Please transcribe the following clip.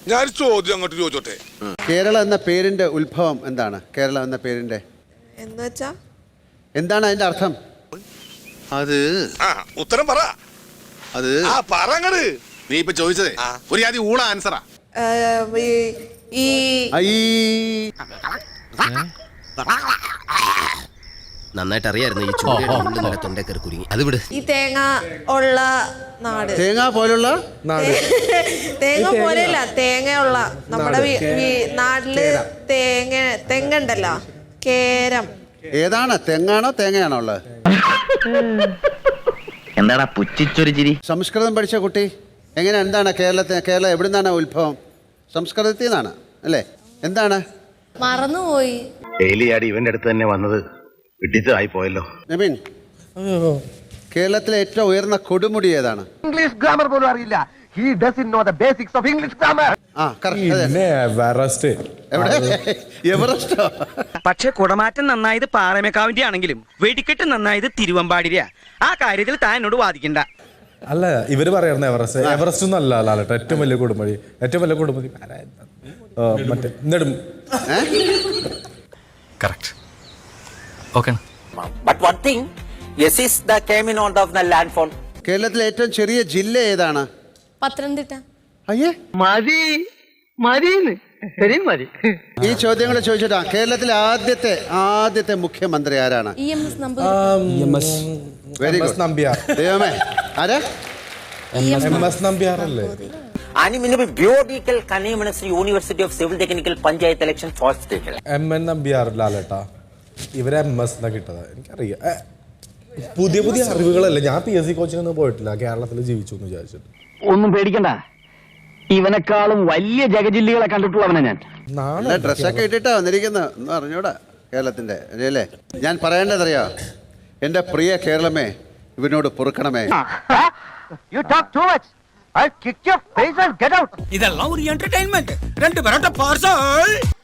ഞാൻ ചോദ്യം അങ്ങോട്ട് ചോദിച്ചോട്ടെ. കേരളം എന്ന പേരിന്റെ ഉത്ഭവം എന്താണ്? കേരളം എന്ന പേരിന്റെ എന്താണ് അതിന്റെ അർത്ഥം? അത് ഉത്തരം പറ. അത് പറങ്ങട്. നീ ഇപ്പൊ ചോദിച്ചതേ ഒരു ആദ്യം ഊള ആൻസറാ. നന്നായിട്ട് അറിയായിരുന്നു ഈ ചൂട് തൊണ്ടേക്കറി കുരുങ്ങി. അത് വിട്. ഈ തേങ്ങ ഉള്ള നാട്. തേങ്ങ പോലുള്ള നാട്. തേങ്ങ പോലെയല്ല, തേങ്ങയുള്ള നമ്മുടെ നാട്ടില് തെങ്ങുണ്ടല്ലോ, കേരം. ഏതാണ്? തെങ്ങാണോ തേങ്ങയാണോ ഉള്ളത്? എന്താടാ പുച്ഛിച്ചൊരു ചിരി? സംസ്കൃതം പഠിച്ച കുട്ടി എങ്ങനെ? എന്താണ് കേരളം എവിടെ നിന്നാണ് ഉത്ഭവം? സംസ്കൃതത്തിൽ നിന്നാണ് അല്ലേ? എന്താണ്? മറന്നുപോയി. ഡെയിലി ആടി ഇവന്റെ അടുത്ത് തന്നെ വന്നത് വിട്ടിട്ടായി പോയല്ലോ. നബീൻ, കേരളത്തിലെ ഏറ്റവും ഉയർന്ന കൊടുമുടി ഏതാണ്? ഇംഗ്ലീഷ് ഗ്രാമർ പോലും അറിയില്ല. He doesn't know the basics of English grammar. എവറസ്റ്റോ? പക്ഷെ കുടമാറ്റം നന്നായത് പാറമേക്കാവിന്റെ ആണെങ്കിലും വെടിക്കെട്ട് നന്നായത് തിരുവമ്പാടിരിയാ. ആ കാര്യത്തിൽ താൻ എന്നോട് വാദിക്കണ്ട. അല്ല, ഇവര് പറയാറുണ്ട് എവറസ്റ്റ് ഒന്നും അല്ല ലാലേട്ട. ഏറ്റവും വലിയ കൊടുമുടി മറ്റേ നെടും. Correct. Okay. But one thing, yes is the came in out of the landfall. കേരളത്തിലെ ഏറ്റവും ചെറിയ ജില്ല ഏതാണ്? പത്തനംതിട്ട. അയ്യേ, മതി മതി ശരി മതി. ഈ ചോദ്യങ്ങൾ ചോദിച്ചിട്ടാ കേരളത്തിലെ ആദ്യത്തെ മുഖ്യമന്ത്രി ആരാണ്? Very good. നമ്പ്യാർ. ദൈവമേ, ആരാ? MS നമ്പ്യാർ അല്ലേ? Biomedical Ministry University of Civil Technical Panchayat election first stage. MN Nambiar ലാലേട്ടാ. ഇവരെ MS എന്നാ കിട്ടത് എനിക്കറിയാം. പുതിയ അറിവുകളല്ലേ. ഞാൻ PSC കോച്ചിങ്ങൊന്നും പോയിട്ടില്ല, കേരളത്തിൽ ജീവിച്ചു എന്ന് വിചാരിച്ചിട്ട്. ഒന്നും പേടിക്കണ്ട, ഇവനെക്കാളും വലിയ ജഗജില്ലികളെ കണ്ടിട്ടുള്ളവനെ ഞാൻ. ഡ്രസ്സൊക്കെ ഇട്ടിട്ടാ വന്നിരിക്കുന്നത് എന്ന് അറിഞ്ഞൂടാ കേരളത്തിന്റെ അല്ലേ? ഞാൻ പറയേണ്ടതറിയോ? എന്റെ പ്രിയ കേരളമേ, ഇവനോട് പൊറുക്കണമേ. You talk too much. I'll kick your face and get out. ഇതെല്ലാം ഒരു എന്റർടൈൻമെന്റ്. 2 പെരട്ട പാർസൽ.